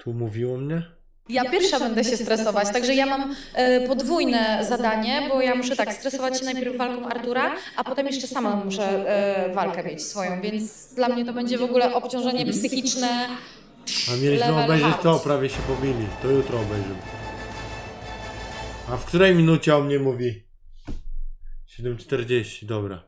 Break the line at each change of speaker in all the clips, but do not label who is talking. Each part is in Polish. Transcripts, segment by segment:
Umówiło mnie?
Ja pierwsza będę się stresować, także ja mam podwójne zadanie, bo ja muszę tak stresować się najpierw walką Artura, a potem jeszcze sama muszę walkę mieć swoją, więc dla mnie to będzie w ogóle obciążenie psychiczne.
A mieliśmy
Level
obejrzeć
hard.
to, prawie się pobili. To jutro obejrzymy. A w której minucie o mnie mówi? 7:40, dobra.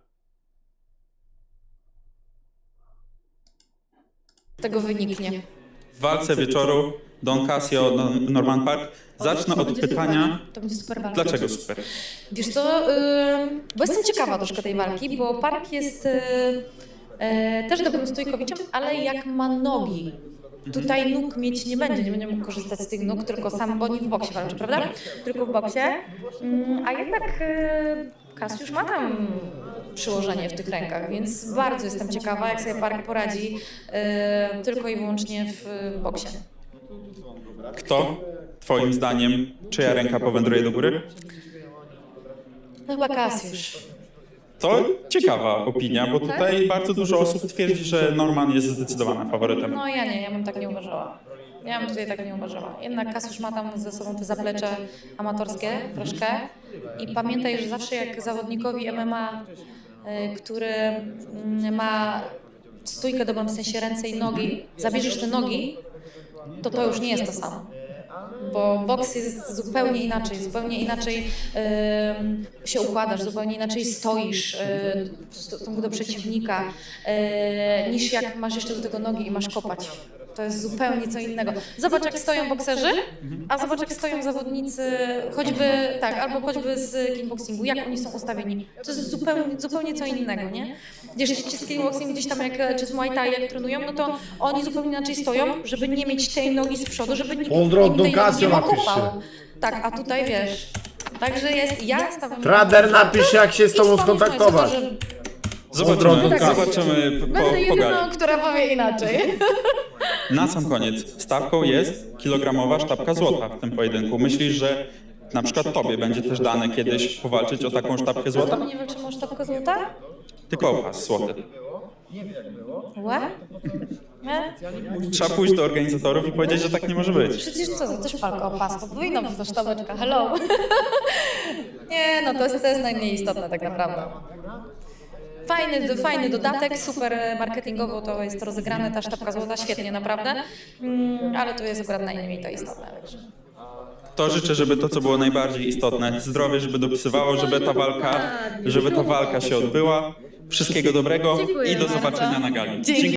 Tego wyniknie.
W walce wieczoru Don Casio, Norman Park. Zacznę od pytania,
To będzie super walka.
dlaczego super?
Wiesz co, bo jestem ciekawa troszkę tej walki, bo Park jest też dobrym stójkowiczem, ale jak ma nogi. Tutaj nóg mieć nie będzie mógł korzystać z tych nóg, tylko sam, bo nie w boksie walczy, prawda? Tylko w boksie. A jednak Cassiusz ma tam przyłożenie w tych rękach, więc bardzo jestem ciekawa, jak sobie Park poradzi tylko i wyłącznie w boksie.
Kto, twoim zdaniem, czyja ręka powędruje do góry?
No chyba Cassiusz.
To ciekawa opinia, bo tutaj bardzo dużo osób twierdzi, że Norman jest zdecydowanym faworytem.
No ja bym tak nie uważała. Ja bym tutaj tak nie uważała. Jednak Cassiusz ma tam ze sobą te zaplecze amatorskie troszkę i pamiętaj, że zawsze jak zawodnikowi MMA, który ma stójkę dobrą, w sensie ręce i nogi, zabierzesz te nogi, to już nie jest to samo. Bo boks jest zupełnie inaczej się układasz, zupełnie inaczej stoisz w stosunku do przeciwnika, niż jak masz jeszcze do tego nogi i masz kopać. To jest zupełnie co innego. Zobacz, jak stoją bokserzy, a zobacz, jak stoją zawodnicy, choćby z kickboxingu, jak oni są ustawieni. To jest zupełnie co innego, nie? Jeśli z kickboxingu gdzieś tam, czy z Muay Thai, jak trenują, no to oni zupełnie inaczej stoją, żeby nie mieć tej nogi z przodu, żeby nikt
Pozdro od
tej nogi
Casio
nie
napiszcie.
okopał. Tak, a tutaj wiesz. Także ja stawiam...
Trader, napisz, jak się z tobą skontaktować.
Zobaczymy
Tak. Będę
po gali.
jedyną, która powie inaczej.
Na sam koniec, stawką jest kilogramowa sztabka złota w tym pojedynku. Myślisz, że na przykład tobie będzie też dane kiedyś powalczyć o taką sztabkę złota?
Nie walczymy o sztabkę złota?
Tylko o pas złoty.
What? Nie?
Trzeba pójść do organizatorów i powiedzieć, że tak nie może być.
Przecież co, to też walka o pas, to powinna być to sztabeczka, hello. Nie, no to jest najmniej istotne tak naprawdę. Fajny dodatek, super marketingowo to jest rozegrane, ta sztabka złota, świetnie naprawdę, ale to jest akurat najmniej to istotne. Także.
To życzę, żeby to, co było najbardziej istotne, zdrowie, żeby dopisywało, żeby ta walka się odbyła. Wszystkiego dobrego i do zobaczenia na gali.
Dzięki.